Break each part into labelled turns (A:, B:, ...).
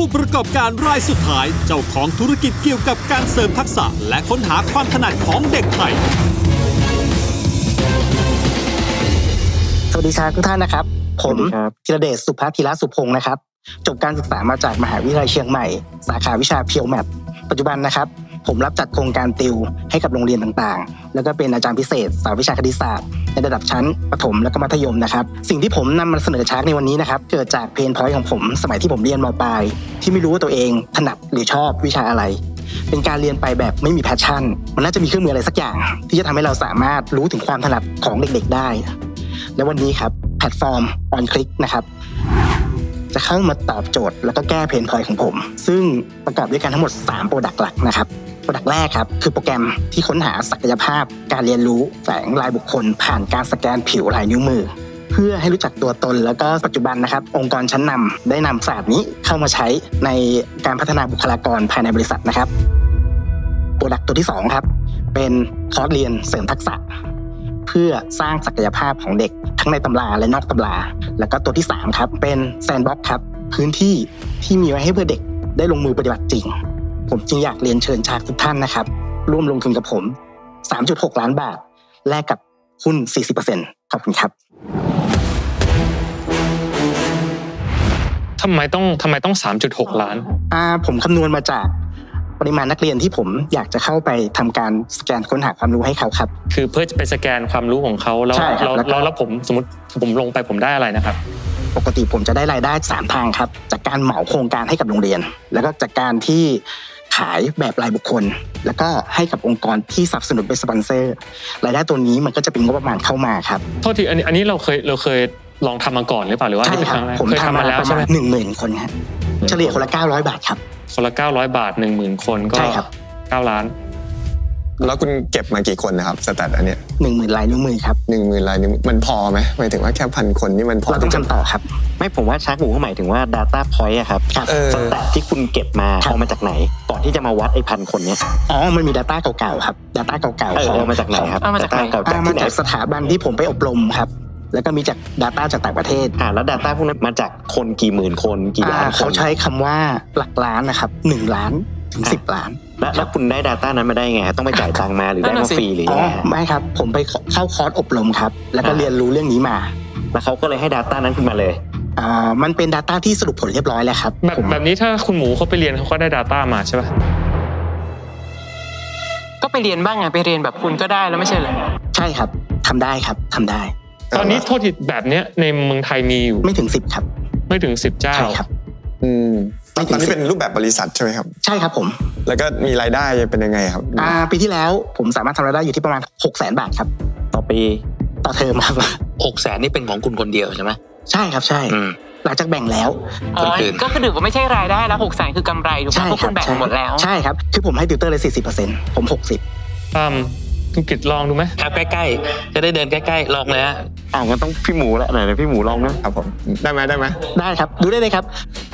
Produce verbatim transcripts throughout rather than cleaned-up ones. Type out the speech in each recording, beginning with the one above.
A: ผู้ประกอบการรายสุดท้ายเจ้าของธุรกิจเกี่ยวกับการเสริมทักษะและค้นหาความถนัดของเด็กไทย
B: สวัสดีครับทุกท่านนะครับผมธีรเดชสุภธีรสุพงศ์นะครับจบการศึกษามาจากมหาวิทยาลัยเชียงใหม่สาขาวิชาเพียวแมทปัจจุบันนะครับผมรับจัดโครงการติวให้กับโรงเรียนต่างๆแล้วก็เป็นอาจารย์พิเศษสายวิชาคณิตศาสตร์ในระดับชั้นประถมและก็มัธยมนะครับสิ่งที่ผมนำมาเสนอชาร์กในวันนี้นะครับเกิดจากเพนพอยต์ของผมสมัยที่ผมเรียนม.ปลายที่ไม่รู้ว่าตัวเองถนัดหรือชอบวิชาอะไรเป็นการเรียนไปแบบไม่มีแพชชั่นมันน่าจะมีเครื่องมืออะไรสักอย่างที่จะทำให้เราสามารถรู้ถึงความถนัดของเด็กๆได้และวันนี้ครับแพลตฟอร์ม On Click นะครับจะเข้ามาตอบโจทย์แล้วก็แก้เพนพอยต์ของผมซึ่งประกอบด้วยกันทั้งหมดสามโปรดักต์หลักนะครับโปรดักต์แรกครับคือโปรแกรมที่ค้นหาศักยภาพการเรียนรู้แฝงลายบุคคลผ่านการสแกนผิวลายนิ้วมือเพื่อให้รู้จักตัวตนแล้วก็ปัจจุบันนะครับองค์กรชั้นนำได้นำศาสตร์นี้เข้ามาใช้ในการพัฒนาบุคลากรภายในบริษัทนะครับโปรดักต์ตัวที่สองครับเป็นคอร์สเรียนเสริมทักษะเพื่อสร้างศักยภาพของเด็กทั้งในตำราและนอกตำราแล้วก็ตัวที่สามครับเป็นแซนด์บ็อกซ์ครับพื้นที่ที่มีไว้ให้เพื่อเด็กได้ลงมือปฏิบัติจริงผมจึงอยากเรียนเชิญชากทุกท่านนะครับร่วมลงทุนกับผม สามจุดหก ล้านบาทแลกกับหุ้น สี่สิบเปอร์เซ็นต์ ขอบคุณครับ
C: ทำไมต้องทำไมต้อง สามจุดหก ล้าน
B: อ่าผมคำนวณมาจากปริมาณนักเรียนที่ผมอยากจะเข้าไปทำการสแกนค้นหาความรู้ให้เขาครับ
C: คือเพื่อจะไปสแกนความรู้ของเขาแล้วแล้วแล้วผมสมมติผมลงไปผมได้อะไรนะครับ
B: ปกติผมจะได้รายได้สามทางครับจากการเหมาโครงการให้กับโรงเรียนแล้วก็จากการที่ขายแบบรายบุคคลแล้วก็ให้กับองค์กรที่สนับสนุนเป็นสปอนเซอร์รายได้ตัวนี้มันก็จะเป็นงบประมาณเข้ามาครับ
C: โทษทีอันนี้อันนี้เราเคยเราเคยลองทำมาก่อนหรือเปล่าหรือว่า
B: ใช่ครับผมทำมาแล้วใช่ไหมหนึ่งหมื่นคนครับเฉลี่ยคนละเก้าร้อยบาทครับ
C: คนละเก้าร้อยบาท หนึ่งหมื่น คนก็เก้าล้าน
D: แล้วคุณเก็บมากี่คนนะครับสแตทอันเนี้ย
B: หนึ่งหมื่น ลายนิ้วมือครับ
D: หนึ่งหมื่น ลายนิ้วมันพอไหมหมายถึงว่าแค่พันคนนี่มันพอ
B: เราต้องจำต่อครับ
E: ไม่ผมว่าชาร์กหมูเขาหมายถึงว่า data point อะครับสแตทที่คุณเก็บมาเอามาจากไหนก่อนที่จะมาวัดไอ้พันคนเนี้ย
B: อ๋อมันมี data เก่าๆครับ data เก่าๆ
E: เอามาจากไหนครับ
B: data เก่าๆมาจากสถาบันที่ผมไปอบรมครับแล้วก็มีจาก data จากต่างประเทศ
E: อ่าแล้ว data พวกนั้นมาจากคนกี่หมื่นคนกี่ล้านคน
B: เขาใช้คำว่าหลักล้านนะครับหนึ่งล้านถึงสิบล้าน
E: แล้วคุณได้ data นั้นมาได้ไงต้องไปจ่ายตังค์มาหรือได้มาฟรีหรือยังไง
B: ไม่ครับผมไปเข้าคอร์สอบรมครับแล้วก็เรียนรู้เรื่องนี้มา
E: แล้วเขาก็เลยให้ data นั้นขึ้นมาเลย
B: อ่ามันเป็น data ที่สรุปผลเรียบร้อยแล้วครับ
C: แบบแบบนี้ถ้าคุณหมูเขาไปเรียนเขาก็ได้ data มาใช่ป่ะ
F: ก็ไปเรียนบ้างไงไปเรียนแบบคุณก็ได้แล้วไม่ใช่เหรอ
B: ใช่ครับทำได้ครับทำได้
C: ตอนนี้โทษทีแบบเนี้ยในเมืองไทยมีอยู่
B: ไม่ถึงสิบครับ
C: ไม่ถึงสิบเจ้า
B: ใช่ครับ
D: อืมตอนนี้เป็นรูปแบบบริษัทใช่ไหมครับ
B: ใช่ครับผม
D: แล้วก็มีรายได้เป็นยังไงครับ
B: อ่าปีที่แล้วผมสามารถทำรายได้อยู่ที่ประมาณ หกแสน บาทครับ
E: ต่อปี
B: ต่อเทอมครับ
E: หกแสน นี่เป็นของคุณคนเดียวใช่ไหม
B: ใช่ครับใช่หลังจากแบ่งแล้ว
F: คนอื่นก็คือถือว่าไม่ใช่รายได้แล้วหกแสนคือกำไรถูกไหมเพราะคุณแบ่งหมดแล้ว
B: ใช่ครับคือผมให้ติวเตอร์เลย สี่สิบเปอร์เซ็นต์ ผมหกสิบ
C: อืมคุณกิตลองดูไหม
E: ครับใกล้ๆจะได้เดินใกล้ๆลองเลยฮะอ้าวงั้นต้องพี่หมูแล้วไหนๆพี่หมูลองนะครับ
D: ผมได้ไหมได้ไหม
B: ได้ครับดูได้เลยครับ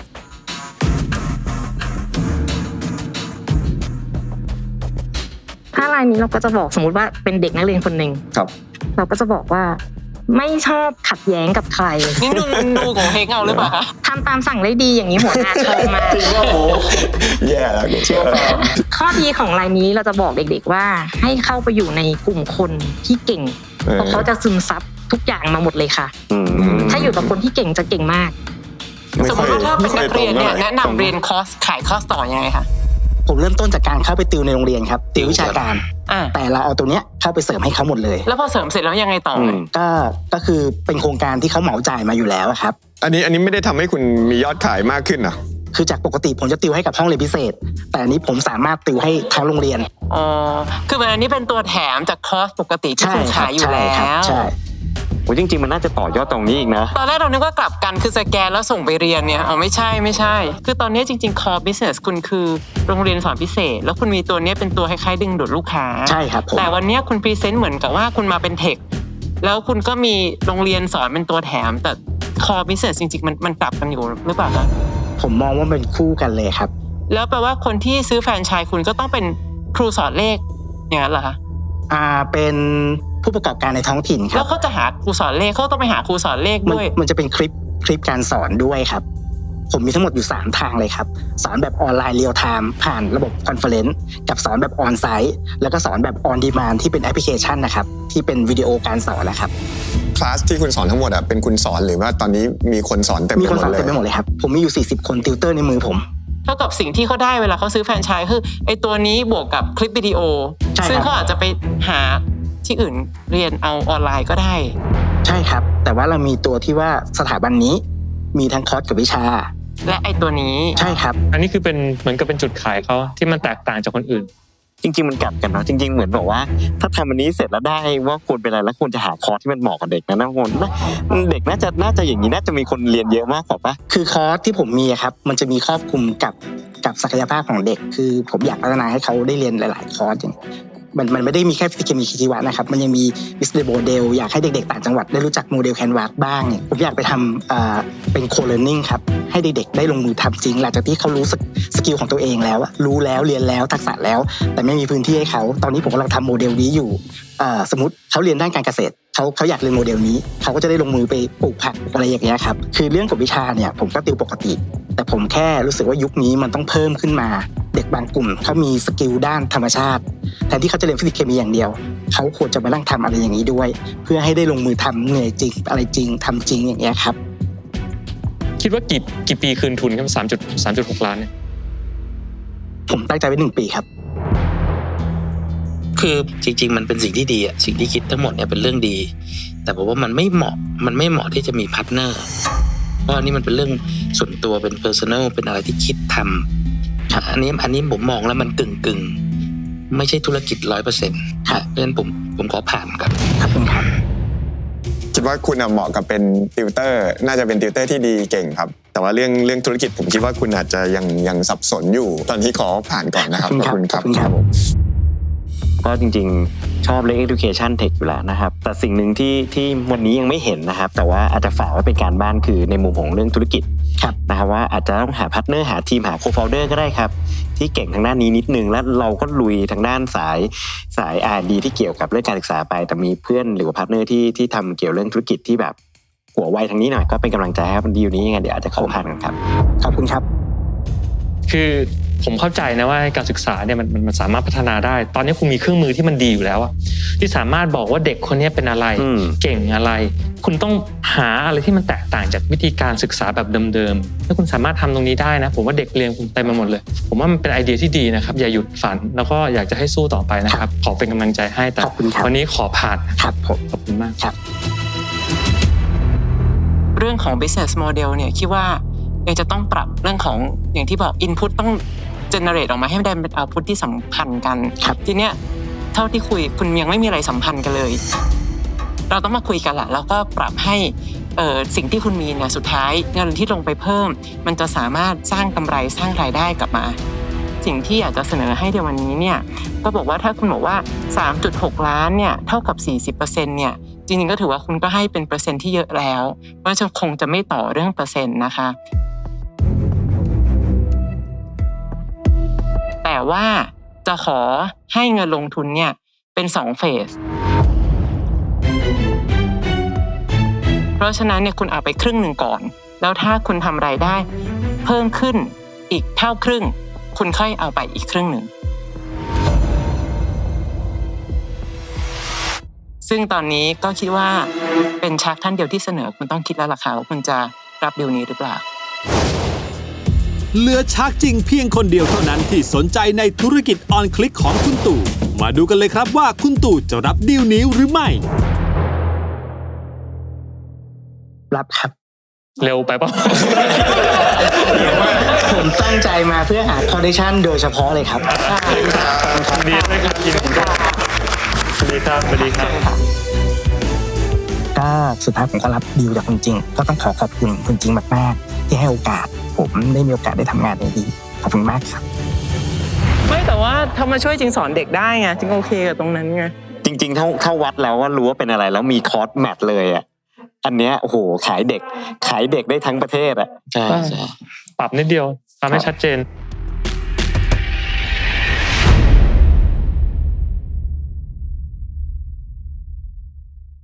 G: ถ้ารายนี้เราก็จะบอกสมมติว่าเป็นเด็กนักเรียนคนหนึ่ง
D: ครับ
G: เราก็จะบอกว่าไม่ชอบขัดแย้งกับใคร
F: นี่ดูดูของเฮงเอาหรือเปล่าคะ
G: ทำตามสั่งได้ดีอย่างนี้หัวหน้าชมมา
D: จริงว่าโอ้แย่แล้วเชื่อ
G: ข้อดีของรายนี้เราจะบอกเด็กๆว่าให้เข้าไปอยู่ในกลุ่มคนที่เก่งเพราะเขาจะซึมซับทุกอย่างมาหมดเลยค่ะถ้าอยู่กับคนที่เก่งจะเก่งมาก
F: สมมติว่าถ้าเป็นนักเรียนเนี่ยแนะนำเรียนคอร์สขายคอร์สต่อยังไงคะ
B: ผมเริ่มต้นจากการเข้าไปติวในโรงเรียนครับติววิชาการแต่เราเอาตัวเนี้ยเข้าไปเสริมให้เขาหมดเลย
F: แล้วพอเสริมเสร็จแล้วยังไงต่อ
B: ก็ก็คือเป็นโครงการที่เขาเหมาจ่ายมาอยู่แล้วครับ
D: อันนี้อันนี้ไม่ได้ทำให้คุณมียอดขายมากขึ้นอ่ะ
B: คือจากปกติผมจะติวให้กับห้องเรียนพิเศษแต่อันนี้ผมสามารถติวให้ทั้งโรงเรียน
F: อ๋อคืออันนี้เป็นตัวแถมจากคอร์สปกติที่คุณขายอยู่แล้ว
B: ใช่
E: โอ้จริงๆมันน่าจะต่อยอดตรงนี้อีกนะ
F: ตอนแรกเรานึกว่ากลับกันคือสแกนแล้วส่งไปเรียนเนี่ยอ๋อไม่ใช่ไม่ใช่คือตอนนี้จริงๆ core business คุณคือโรงเรียนสอนพิเศษแล้วคุณมีตัวนี้เป็นตัวคล้ายๆดึงดูดลูกค้า
B: ใช่ครับ
F: แต่วันนี้คุณพรีเซนต์เหมือนกับว่าคุณมาเป็นเทคแล้วคุณก็มีโรงเรียนสอนเป็นตัวแถมแต่ core business จริงๆมันมันกลับกันอยู่หรือเปล่าคะ
B: ผมมองว่าเป็นคู่กันเลยครับ
F: แล้วแปลว่าคนที่ซื้อแฟรนไชส์คุณก็ต้องเป็นครูสอนเลขอย่างนั้นเหรอคะ
B: อ่าเป็นผู้ประกอบการในท้องถิ่นครับ
F: แล้วเขาจะหาครูสอนเลขเขาต้องไปหาครูสอนเลขด้วย
B: มันจะเป็นคลิปคลิปการสอนด้วยครับผมมีทั้งหมดอยู่สามทางเลยครับสอนแบบออนไลน์เรียลไทม์ผ่านระบบคอนเฟอเรนซ์กับสอนแบบออนไซต์แล้วก็สอนแบบออนดีมานด์ที่เป็นแอปพลิเคชันนะครับที่เป็นวิดีโอการสอนนะครับ
D: คลาสที่คุณสอนทั้งหมดอ่ะเป็นคุณสอนหรือว่าตอนนี้มีคนสอนเต็มไปหมดเลยมี
B: คนสอนเต็มไปหมดเลยครับผมมีอยู่สี่สิบคนติวเตอร์ในมือผม
F: เท่ากับสิ่งที่เขาได้เวลาเขาซื้อแฟรนไชส์คือไอ้ตัวนี้บวกกับคลิปวิดีโอซึ่งเขาอาจจะไปหาที่อื่นเรียนเอาออนไลน์ก็ได้
B: ใช่ครับแต่ว่าเรามีตัวที่ว่าสถาบันนี้มีทั้งคอร์สกับวิชา
F: และไอ้ตัวนี้
B: ใช่ครับ
C: อันนี้คือเป็นเหมือนกับเป็นจุดขายเขาที่มันแตกต่างจากคนอื่น
E: จริงๆมันกลับกันเนาะจริงๆเหมือนบอกว่าถ้าทำอันนี้เสร็จแล้วได้ว่าควรเป็นอะไรแล้วควรจะหาคอร์สที่มันเหมาะกับเด็กนะนะคนเด็กน่าจะน่าจะอย่างนี้น่าจะมีคนเรียนเยอะมากกว่าปะ
B: คือคอร์สที่ผมมีครับมันจะมีครอบคลุมกับกับศักยภาพของเด็กคือผมอยากพัฒนาให้เขาได้เรียนหลายๆคอร์สอย่างมันมันไม่ได้มีแค่ฟิสิกส์เคมีชีวะนะครับมันยังมี business model อยากให้เด็กๆต่างจังหวัดได้รู้จักโมเดลแคนวาสบ้างเนี่ยผมอยากไปทำอ่าเป็น co-learning ครับให้เด็กๆได้ลงมือทำจริงหลังจากที่เขารู้สกิลของตัวเองแล้วรู้แล้วเรียนแล้วทักษะแล้วแต่ไม่มีพื้นที่ให้เขาตอนนี้ผมกำลังทำโมเดลนี้อยู่อ่าสมมติเขาเรียนด้านการเกษตรเขาเขาอยากเรียนโมเดลนี้เขาก็จะได้ลงมือไปปลูกผักอะไรอย่างเงี้ยครับคือเรื่องกฎวิชาเนี่ยผมก็ติวปกติแต่ผมแค่รู้สึกว่ายุคนี้มันต้องเพิ่มขึ้นมาเด็กบางกลุ่มเขามีสกิลด้านธรรมชาติแทนที่เขาจะเรียนฟิสิกส์เคมีอย่างเดียวเขาควรจะมานั่งทำอะไรอย่างนี้ด้วยเพื่อให้ได้ลงมือทำเหนื่อยจริงอะไรจริงทำจริงอย่างเงี้ยครับ
C: คิดว่ากี่กี่ปีคืนทุนครับสามจุดสามจุดหกล้านเนี่ย
B: ผมตั้งใจไว้หนึ่งปีครับ
H: คือจริงๆมันเป็นสิ่งที่ดีอ่ะสิ่งที่คิดทั้งหมดเนี่ยเป็นเรื่องดีแต่ผมว่ามันไม่เหมาะมันไม่เหมาะที่จะมีพาร์ทเนอร์เพราะอันนี้มันเป็นเรื่องส่วนตัวเป็นเพอร์ซันอลเป็นอะไรที่คิดทำอันนี้อันนี้ผมมองแล้วมันกึ่งกึ่งไม่ใช่ธุรกิจร้อยเปอร์เซ็นต์เพราะฉะนั้นผมผมขอผ่านครับ
B: ครับครับ
D: คิดว่าคุณเหมาะกับเป็นติวเตอร์น่าจะเป็นติวเตอร์ที่ดีเก่งครับแต่ว่าเรื่องเรื่องธุรกิจผมคิดว่าคุณอาจจะยังยังสับสนอยู่ตอนนี้ขอผ่านก่อนนะครับขอบคุณครับ
E: ก็จริงๆชอบเรื่อง education tech อยู่แล้วนะครับแต่สิ่งหนึ่งที่ที่วันนี้ยังไม่เห็นนะครับแต่ว่าอาจจะฝากไว้เป็นการบ้านคือในมุมของเรื่องธุรกิจนะครับว่าอาจจะต้องหาพาร์ทเนอร์หาทีมหาโคฟาวเดอร์ก็ได้ครับที่เก่งทางด้านนี้นิดนึงแล้วเราก็ลุยทางด้านสายสาย อาร์ แอนด์ ดี ที่เกี่ยวกับเรื่องการศึกษาไปแต่มีเพื่อนหรือว่าพาร์ทเนอร์ที่ที่ทำเกี่ยวเรื่องธุรกิจที่แบบหัวไวทางนี้หน่อยก็เป็นกำลังใจให้ดีลนี้ยังไงเดี๋ยวอาจจะเข้าผ่านกันครับ
B: ขอบคุณครับ
C: คือผมเข้าใจนะว่าการศึกษาเนี่ยมันมันสามารถพัฒนาได้ตอนนี้คุณมีเครื่องมือที่มันดีอยู่แล้วอะที่สามารถบอกว่าเด็กคนนี้เป็นอะไรเก่งอะไรคุณต้องหาอะไรที่มันแตกต่างจากวิธีการศึกษาแบบเดิมๆถ้าคุณสามารถทำตรงนี้ได้นะผมว่าเด็กเรียนคุณเต็มไปหมดเลยผมว่ามันเป็นไอเดียที่ดีนะครับอย่าหยุดฝันแล้วก็อยากจะให้สู้ต่อไปนะครับขอเป็นกำลังใจให้แต่วันนี้ขอผ่าน
B: ครับผม
C: ขอบคุณมาก
B: ครับ
F: เรื่องของ business model เนี่ยคิดว่ายังจะต้องปรับเรื่องของอย่างที่บอก input ต้อง generate ออกมาให้ได้เป็น output ที่สัมพันธ์กันทีเนี้ยเท่าที่คุยคุณยังไม่มีอะไรสัมพันธ์กันเลยเราต้องมาคุยกันแหละแล้วก็ปรับให้เอ่อสิ่งที่คุณมีเนี่ยสุดท้ายเงินที่ลงไปเพิ่มมันจะสามารถสร้างกำไรสร้างรายได้กลับมาสิ่งที่อยากจะเสนอให้ในวันนี้เนี่ยก็บอกว่าถ้าคุณบอกว่า สามจุดหก ล้านเนี่ยเท่ากับ สี่สิบเปอร์เซ็นต์ เนี่ยจริงๆก็ถือว่าคุณก็ให้เป็นเปอร์เซ็นต์ที่เยอะแล้วเพราะฉะนั้นคงจะไม่ต่อเรื่องเปอร์เซ็นต์นะคะแต่ว่าจะขอให้เงินลงทุนเนี่ยเป็นสองเฟสเพราะฉะนั้นเนี่ยคุณเอาไปครึ่งหนึ่งก่อนแล้วถ้าคุณทำรายได้เพิ่มขึ้นอีกเท่าครึ่งคุณค่อยเอาไปอีกครึ่งหนึ่งซึ่งตอนนี้ก็คิดว่าเป็นชักท่านเดียวที่เสนอคุณต้องคิดแล้วล่ะค่ะว่าคุณจะรับดีลนี้หรือเปล่า
A: เหลือชักจริงเพียงคนเดียวเท่านั้นที่สนใจในธุรกิจออนคลิกของคุณตู่มาดูกันเลยครับว่าคุณตู่จะรับดีลนี้หรือไม่
B: รับครับ
C: เร็วไปป่ะ
B: ผมตั้งใจมาเพื่อหาคอนดิชั่นโดยเฉพาะเลยครับ
C: ดีเลยครับยินดีครับสวัสดีครับสวัสดีครับ
B: ก็สุดท้ายผมก็รับดีลจากคุณจริงก็ต้องขอขอบคุณคุณจริงมากๆที่ให้โอกาสผมได้มีโอกาสได้ทำงานดีขอบคุณมากครับ
F: ไม่แต่ว่าถ้ามาช่วยจริงสอนเด็กได้ไงจริงโอเคกับตรงนั้นไง
E: จริงๆเท่าเท่าวัดแล้วว่ารู้ว่าเป็นอะไรแล้วมีคอร์สแมทเลยอ่ะอันเนี้ยโอ้โหขายเด็กขายเด็กได้ทั้งประเทศอ่ะ
C: ใช่ปรับนิดเดียวทำให้ชัดเจน